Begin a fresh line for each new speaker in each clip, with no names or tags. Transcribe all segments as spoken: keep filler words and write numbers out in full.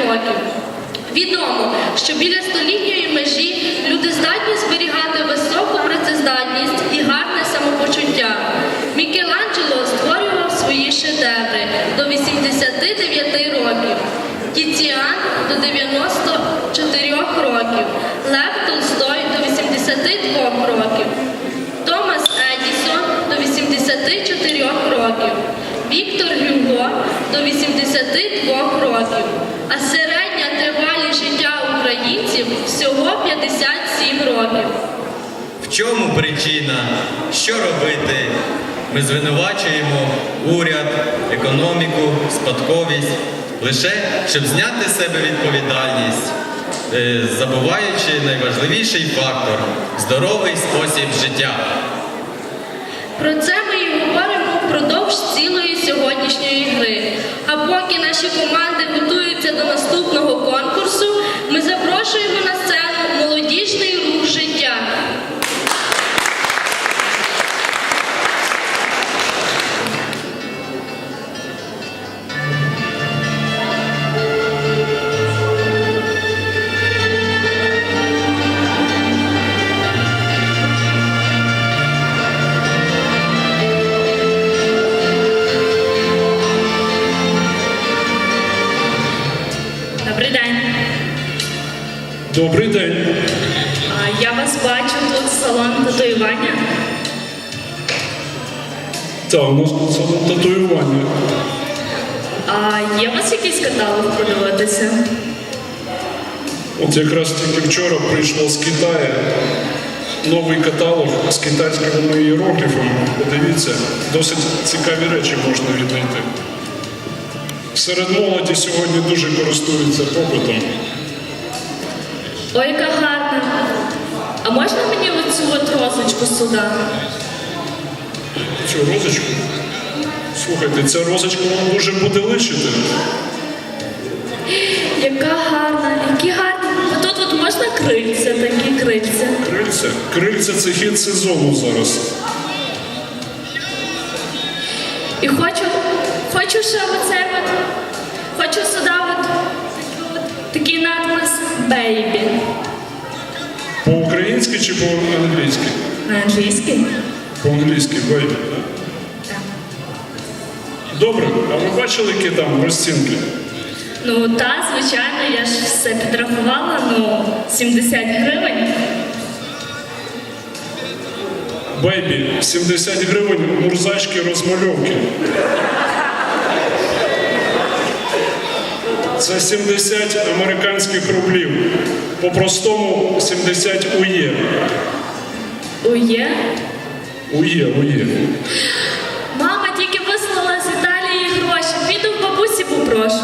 років. Відомо, що біля столітньої межі люди здатні зберігати високу працездатність і гарне самопочуття. Мікеланджело створював свої шедеври до вісімдесяти дев'яти років, Тіціан до дев'яноста чотирьох років, Лев Толстой до вісімдесяти двох років, Томас Едісон до вісімдесяти чотирьох років, Віктор Гюго до вісімдесяти двох років, а середня тривалість життя українців всього п'ятдесят сім років.
В чому причина? Що робити? Ми звинувачуємо уряд, економіку, спадковість, лише щоб зняти з себе відповідальність, забуваючи найважливіший фактор – здоровий спосіб життя.
Про це ми і говоримо впродовж цілої сьогоднішньої гри. А поки наші команди готуються до наступного конкурсу, ми запрошуємо на сцену молодіжний рух життя. Добрий день.
Добрий день.
А, я вас бачу, тут салон татуювання.
Так, у нас тут салон татуювання.
А є у вас якийсь каталог подивитися?
От якраз тільки вчора прийшло з Китаю новий каталог з китайськими іерогліфами. Подивіться, досить цікаві речі можна віднайти. Серед молоді сьогодні дуже користуються попитом.
Ой, яка гарна. А можна мені оцю от розочку сюди?
Цю розочку? Слухайте, ця розочка вам дуже буде личити.
Яка гарна, які гарні. А тут от можна крильця, такі крильця.
Крильця? Крильця – це хід сезону зараз.
І хочу, хочу ще оце от, хочу сюди от, от такий надпис «Бейбі».
По-українськи чи по-англійськи?
На англійській?
По-англійськи, «бейбі», так?
Так.
Добре, а ви бачили, які там розцінки?
Ну, та, звичайно, я ж все підрахувала, ну, сімдесят гривень.
Бейбі, сімдесят гривень мурзачки розмальовки. Це сімдесят американських рублів. По-простому сімдесят ує.
Ує?
Ує, ує.
Мама тільки вислала з Італії гроші. Піду в бабусі попрошу.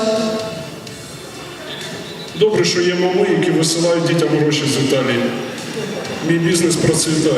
Добре, що є мами, які висилають дітям гроші з Італії. Мій бізнес процвітає.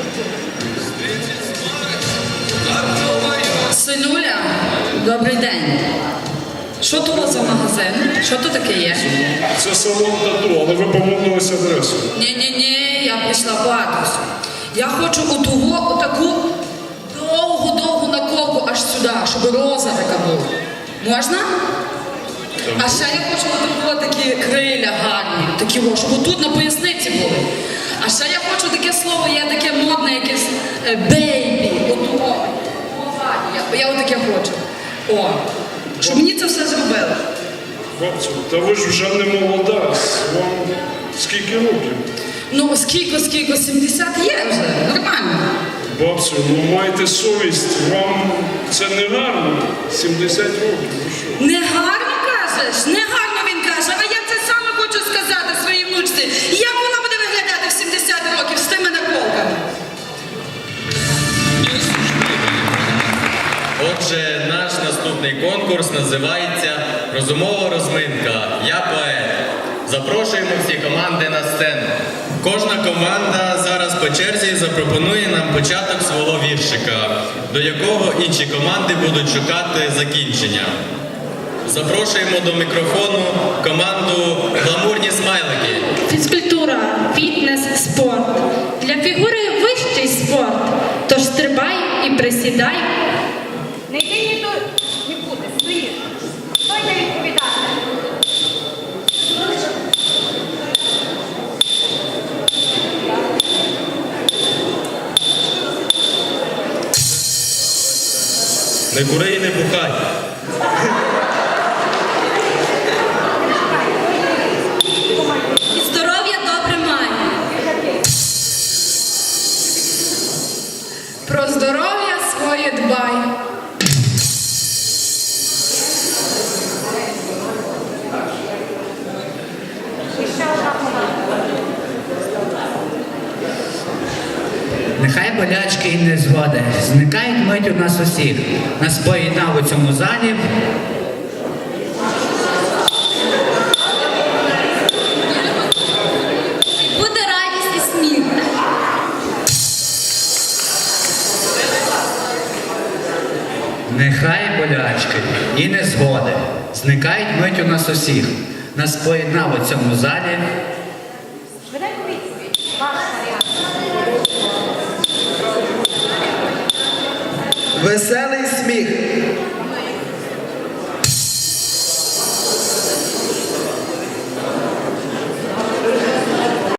Синуля, добрий день. Що то у вас за магазин? Що то таке є?
Це салон тату, але ви помилились адресу.
Ні-ні-ні, я прийшла по адресу. Я хочу у того, отаку довгу-довгу наколку аж сюди, щоб роза така була. Можна? А ще я хочу отаку такі криля гарні, такі, о, щоб тут на поясниці були. А ще я хочу таке слово, є таке модне якесь бейбі. Отого. Я, я отаке хочу. О, щоб мені це все зробили.
Бабцю, та ви ж вже не молода. Вам скільки років?
Ну, скільки, скільки, сімдесят є вже, нормально.
Бабцю, ну майте совість, вам це не гарно. сімдесят років, ви що?
Не гарно кажеш? Не гарно він каже, а я це саме хочу сказати своїй внучці. Як вона буде виглядати в сімдесят років з тими наколками?
Отже, наш наступний конкурс називається «Розумова розминка. Я поет». Запрошуємо всі команди на сцену. Кожна команда зараз по черзі запропонує нам початок свого віршика, до якого інші команди будуть шукати закінчення. Запрошуємо до мікрофону команду «Гламурні смайлики».
Фізкультура, фітнес, спорт. Для фігури вищий спорт. Тож стрибай і присідай.
Не йди ні тут, нікуди, стоїш. Хто йде відповідати?
Не кури і не бухай.
І здоров'я добре май.
Про здоров'я своє дбай.
Нехай болячки і незгоди зникають мить у нас усіх. Нас поєднав у цьому залі.
Буде радість і сміх.
Нехай болячки і незгоди зникають мить у нас усіх. Нас поєднав у цьому залі.
Веселий сміх.